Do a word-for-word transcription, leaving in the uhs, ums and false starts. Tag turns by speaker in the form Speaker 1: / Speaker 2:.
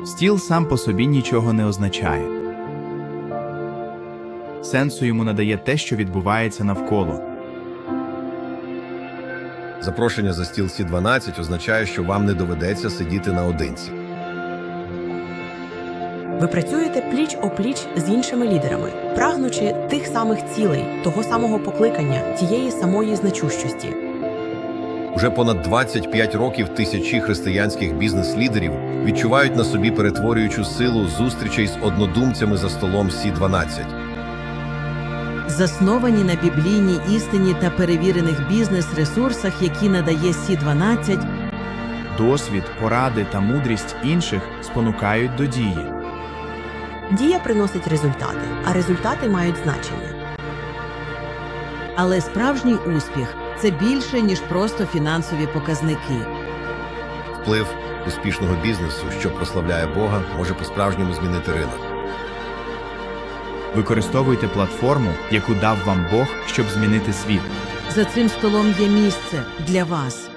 Speaker 1: Стіл сам по собі нічого не означає. Сенсу йому надає те, що відбувається навколо.
Speaker 2: Запрошення за стіл Сі дванадцять означає, що вам не доведеться сидіти наодинці.
Speaker 3: Ви працюєте пліч-опліч з іншими лідерами, прагнучи тих самих цілей, того самого покликання, тієї самої значущості.
Speaker 2: Уже понад двадцять п'ять років тисячі християнських бізнес-лідерів відчувають на собі перетворюючу силу зустрічей з однодумцями за столом Сі дванадцять.
Speaker 4: Засновані на біблійній істині та перевірених бізнес-ресурсах, які надає Сі дванадцять,
Speaker 1: Досвід, поради та мудрість інших спонукають до дії.
Speaker 3: Дія приносить результати, а результати мають значення.
Speaker 4: але справжній успіх – це більше, ніж просто фінансові показники.
Speaker 2: Вплив успішного бізнесу, що прославляє Бога, може по-справжньому змінити ринок.
Speaker 1: Використовуйте платформу, яку дав вам Бог, щоб змінити світ.
Speaker 4: За цим столом є місце для вас.